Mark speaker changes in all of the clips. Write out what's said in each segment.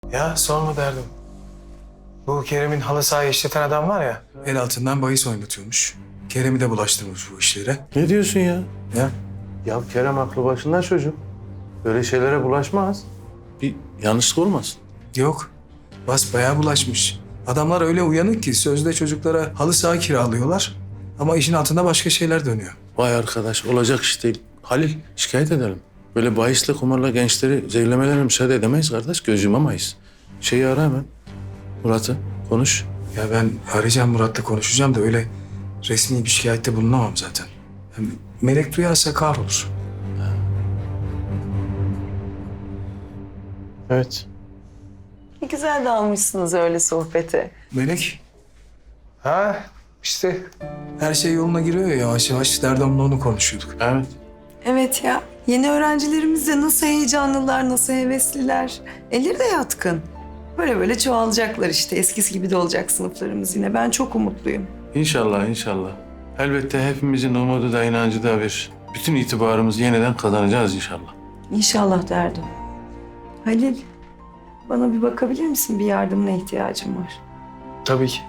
Speaker 1: Ya sorma derdim. Bu Kerem'in halı sahayı işleten adam var ya. El altından bahis oynatıyormuş. Kerem'i de bulaştırmış bu işlere.
Speaker 2: Ne diyorsun ya?
Speaker 1: Ya
Speaker 2: Ya Kerem aklı başında çocuk. Böyle şeylere bulaşmaz. Bir yanlışlık olmasın.
Speaker 1: yok. Basbayağı bulaşmış. Adamlar öyle uyanık ki sözde çocuklara halı saha kiralıyorlar. Ama işin altında başka şeyler dönüyor.
Speaker 2: Vay arkadaş olacak iş değil. Halil şikayet edelim. Böyle bahisle kumarla gençleri zehirlemelerine müsaade edemeyiz kardeş. Göz yumamayız. Şeyi ara hemen. Murat'ı konuş.
Speaker 1: Ya ben arayacağım Murat'la konuşacağım da öyle resmi bir şikayette bulunamam zaten. Hem Melek duyarsa kahrolur.
Speaker 2: Evet.
Speaker 3: Ne güzel dalmışsınız öyle sohbete.
Speaker 1: Melek. Ha işte her şey yoluna giriyor ya yavaş yavaş. Derdam'la onu konuşuyorduk.
Speaker 2: Evet.
Speaker 3: Evet ya. Yeni öğrencilerimiz de nasıl heyecanlılar, nasıl hevesliler. Elleri de yatkın. Böyle böyle çoğalacaklar işte. Eskisi gibi de olacak sınıflarımız yine. Ben çok umutluyum.
Speaker 2: İnşallah inşallah. Elbette hepimizin umudu da inancı da bir. Bütün itibarımızı yeniden kazanacağız inşallah.
Speaker 3: İnşallah derdim. Halil, bana bir bakabilir misin? Bir yardımına ihtiyacım var.
Speaker 1: Tabii ki.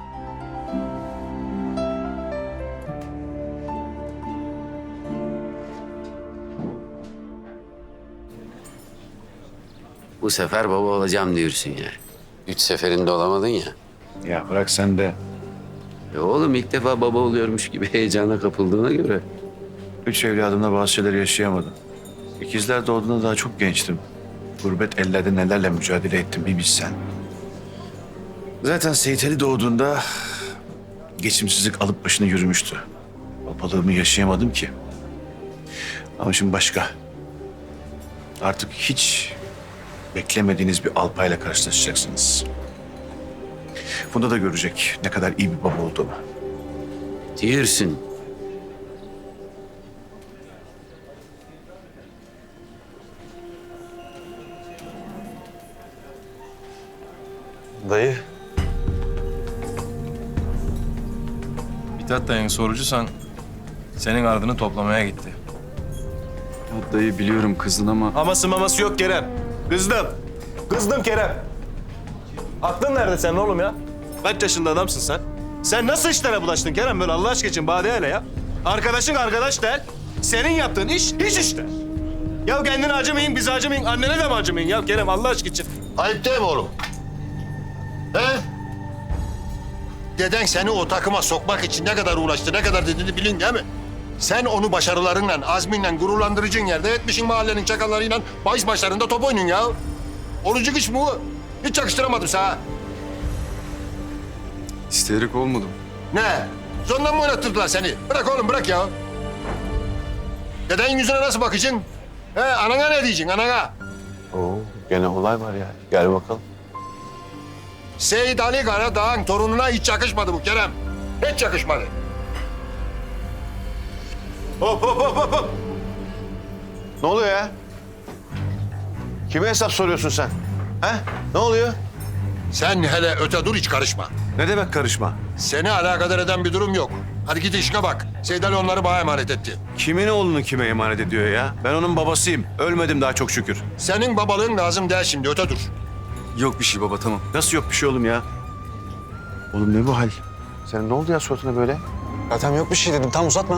Speaker 4: Bu sefer baba olacağım diyorsun ya. 3 seferinde olamadın ya.
Speaker 5: Ya bırak sen de.
Speaker 4: Oğlum ilk defa baba oluyormuş gibi heyecana kapıldığına göre.
Speaker 5: 3 evladımla bazı şeyleri yaşayamadım. İkizler doğduğunda daha çok gençtim. Gurbet ellerde nelerle mücadele ettim bir bilsen. Zaten Seyit Ali doğduğunda geçimsizlik alıp başını yürümüştü. Babalığımı yaşayamadım ki. Ama şimdi başka. Artık hiç beklemediğiniz bir Alpay'la karşılaşacaksınız. Bunda da görecek ne kadar iyi bir baba olduğumu.
Speaker 4: Diyorsun.
Speaker 6: Dayı. Mithat dayın sorucusan senin ardını toplamaya gitti.
Speaker 7: Ya dayı biliyorum kızdın ama...
Speaker 6: Aması maması yok Kerem. Kızdım. Kızdım Kerem. Aklın nerede senin oğlum ya? Kaç yaşında adamsın sen? Sen nasıl işlere bulaştın Kerem böyle Allah aşkına için bade hele ya? Arkadaşın arkadaş değil. Senin yaptığın iş hiç işte. Ya kendine acımayın, bize acımayın, annene de mi acımayın ya Kerem Allah aşkına için?
Speaker 8: Ayıp değil mi oğlum? He? Deden seni o takıma sokmak için ne kadar uğraştı, ne kadar dediğini bilin değil mi? Sen onu başarılarınla, azminle gururlandırıcın yerde etmişin mahallenin çakallarıyla bahis maçlarında top oynuyorsun ya. Orucuk iş bu. Hiç yakıştıramadım sana.
Speaker 7: İsteyerek olmadım.
Speaker 8: Ne? Zorla mı oynattırdılar seni? Bırak oğlum, bırak ya. Dedenin yüzüne nasıl bakacaksın? He, anana ne diyeceksin, anana?
Speaker 2: Oo, gene olay var ya. Gel bakalım.
Speaker 8: Seyit Ali Karadağ'ın torununa hiç yakışmadı bu Kerem. Hiç yakışmadı.
Speaker 5: Hop hop hop hop hop. Ne oluyor ya? Kime hesap soruyorsun sen? He? Ne oluyor?
Speaker 8: Sen hele öte dur, hiç karışma.
Speaker 5: Ne demek karışma?
Speaker 8: Seni alakadar eden bir durum yok. Hadi git işine bak. Seyit Ali onları bana emanet etti.
Speaker 5: Kimin oğlunu kime emanet ediyor ya? Ben onun babasıyım. Ölmedim daha çok şükür.
Speaker 8: Senin babalığın lazım değil şimdi, öte dur.
Speaker 7: Yok bir şey baba tamam.
Speaker 5: Nasıl yok bir şey oğlum ya? Oğlum ne bu hal? Senin ne oldu ya suratına böyle?
Speaker 9: Zaten yok bir şey dedim. Tam uzatma.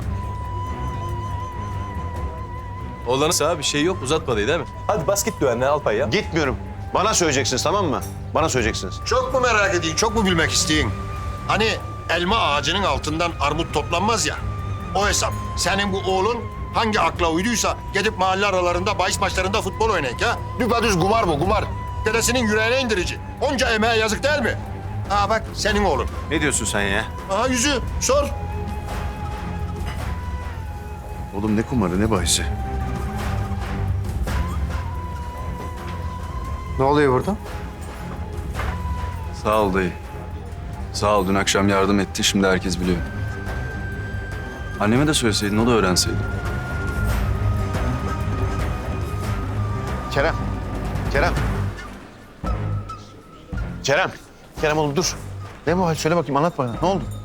Speaker 6: Oğlanısa bir şey yok uzatmadı değil mi? Hadi bas git güvenliğe Alpay ya.
Speaker 5: Gitmiyorum. Bana söyleyeceksiniz tamam mı? Bana söyleyeceksiniz.
Speaker 8: Çok mu merak edeyim, çok mu bilmek isteyin? Hani elma ağacının altından armut toplanmaz ya. O hesap. Senin bu oğlun hangi akla uyduysa gidip mahalle aralarında bahis maçlarında futbol oynayın ha? Düpedüz kumar bu, kumar. Dedesinin yüreğine indirici. Onca emeğe yazık değil mi? Aa bak, senin oğlun.
Speaker 5: Ne diyorsun sen ya?
Speaker 8: Aha yüzü, sor.
Speaker 5: Oğlum ne kumarı ne bahisi?
Speaker 9: Ne oluyor burada?
Speaker 7: Sağ ol dayı. Sağ ol dün akşam yardım etti şimdi herkes biliyor. Anneme de söyleseydin o da öğrenseydi.
Speaker 5: Kerem. Kerem. Kerem. Kerem oğlum dur. Ne bu hal? Söyle bakayım anlat bana. Ne oldu?